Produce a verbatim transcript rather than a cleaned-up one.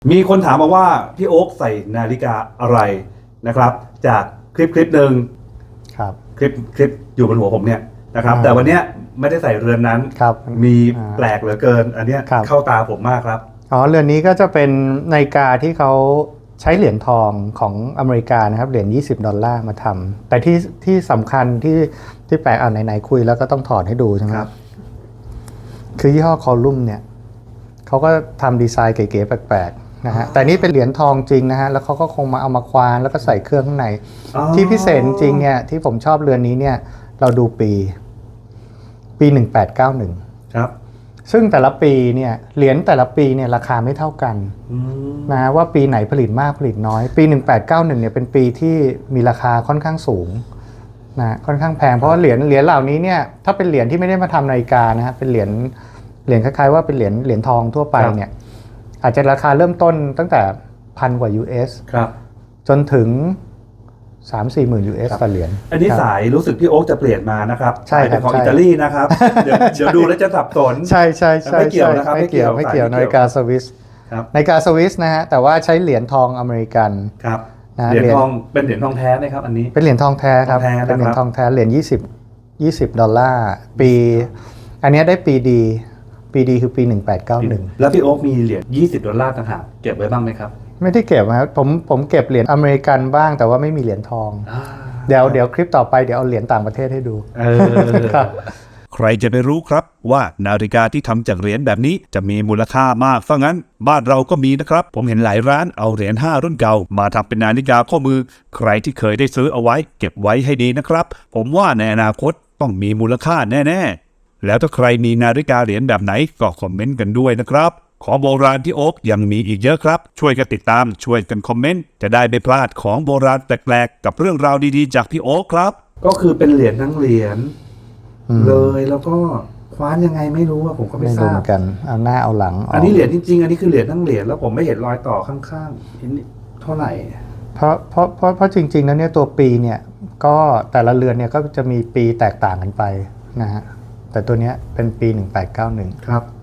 มีคนถามมาว่าพี่โอ๊คใส่นาฬิกาอะไรนะครับจากคลิปคลิปหนึ่งครับคลิปคลิปอยู่บนหัวผมเนี่ยนะครับแต่วันนี้ไม่ได้ใส่เรือนนั้นครับมีแปลกเหลือเกินอันนี้เข้าตาผมมากครับอ๋อเรือนนี้ก็จะเป็นนาฬิกาที่เขาใช้เหรียญทองของอเมริกานะครับเหรียญยี่สิบดอลลาร์มาทำแต่ที่ที่สำคัญที่ที่แปลกอ่านไหนๆคุยแล้วก็ต้องถอดให้ดูใช่ไหมครับคือยี่ห้อคอลุ่มเนี่ยเขาก็ทำดีไซน์เก๋ๆแปลกๆนะฮะแต่นี่เป็นเหรียญทองจริงนะฮะแล้วเขาก็คงมาเอามาควานแล้วก็ใส่เครื่องข้างในที่พิเศษจริงเนี่ยที่ผมชอบเรือนนี้เนี่ยเราดูปีปีหนึ่งแปดเก้าหนึ่งครับซึ่งแต่ละปีเนี่ยเหรียญแต่ละปีเนี่ยราคาไม่เท่ากันนะว่าปีไหนผลิตมากผลิตน้อยปีหนึ่งแปดเก้าหนึ่งเนี่ยเป็นปีที่มีราคาค่อนข้างสูงนะค่อนข้างแพงเพราะว่าเหรียญเหรียญเหล่านี้เนี่ยถ้าเป็นเหรียญที่ไม่ได้มาทำนาฬิกานะฮะเป็นเหรียญเหรียญคล้ายๆว่าเป็นเหรียญเหรียญทองทั่วไปเนี่ยอาจจะราคาเริ่มต้นตั้งแต่พันกว่า ยู เอสครับจนถึง สามสี่หมื่น ยู เอส ต่อเหรียญอันนี้สายรู้สึกพี่โอ๊คจะเปลี่ยนมานะครับใช่ครับของอิตาลีนะครับเดี๋ยวเดี๋ยวดูแล้วจะสับสนใช่ใช่ใช่ไม่เกี่ยวนะครับไม่เกี่ยวไม่เกี่ยวนาฬิกาสวิสนาฬิกาสวิสนะฮะแต่ว่าใช้เหรียญทองอเมริกันครับเหรียญทองเป็นเหรียญทองแท้ไหมครับอันนี้เป็นเหรียญทองแท้ครับเป็นเหรียญทองแท้เหรียญยี่สิบ ยี่สิบดอลลาร์ปีอันนี้ได้ปีดีปีดีคือปีหนึ่งแปดเก้าหนึ่งแล้วพี่โอ๊คมีเหรียญยี่สิบดอลลาร์ต่างหากเก็บไว้บ้างไหมครับไม่ได้เก็บครับผมผมเก็บเหรียญอเมริกันบ้างแต่ว่าไม่มีเหรียญทองเดี๋ยวเดี๋ยวคลิปต่อไปเดี๋ยวเอาเหรียญต่างประเทศให้ดูครับใครจะไปรู้ครับว่านาฬิกาที่ทำจากเหรียญแบบนี้จะมีมูลค่ามากซะงั้นบ้านเราก็มีนะครับผมเห็นหลายร้านเอาเหรียญห้ารุ่นเก่ามาทำเป็นนาฬิกาข้อมือใครที่เคยได้ซื้อเอาไว้เก็บไว้ให้ดีนะครับผมว่าในอนาคตต้องมีมูลค่าแน่ๆแล้วถ้าใครมีนาฬิกาเหรียญแบบไหนก็คอมเมนต์กันด้วยนะครับของโบราณที่โอ๊คยังมีอีกเยอะครับช่วยกันติดตามช่วยกันคอมเมนต์จะได้ไม่พลาดของโบราณแปลกๆกับเรื่องราวดีๆจากพี่โอ๊คครับก็คือเป็นเหรียญทั้งเหรียญเลยแล้วก็คว้านยังไงไม่รู้ว่าผมก็ไม่ทราบกันเอาหน้าเอาหลังอันนี้เหรียญจริงๆอันนี้คือเหรียญทั้งเหรียญแล้วผมไม่เห็นรอยต่อข้างๆเท่าไหร่เพราะเพราะเพราะเพราะจริงๆแล้วเนี่ยตัวปีเนี่ยก็แต่ละเรือนเนี่ยก็จะมีปีแตกต่างกันไปนะฮะแต่ตัวเนี้ยเป็นปีหนึ่งแปดเก้าหนึ่งครับ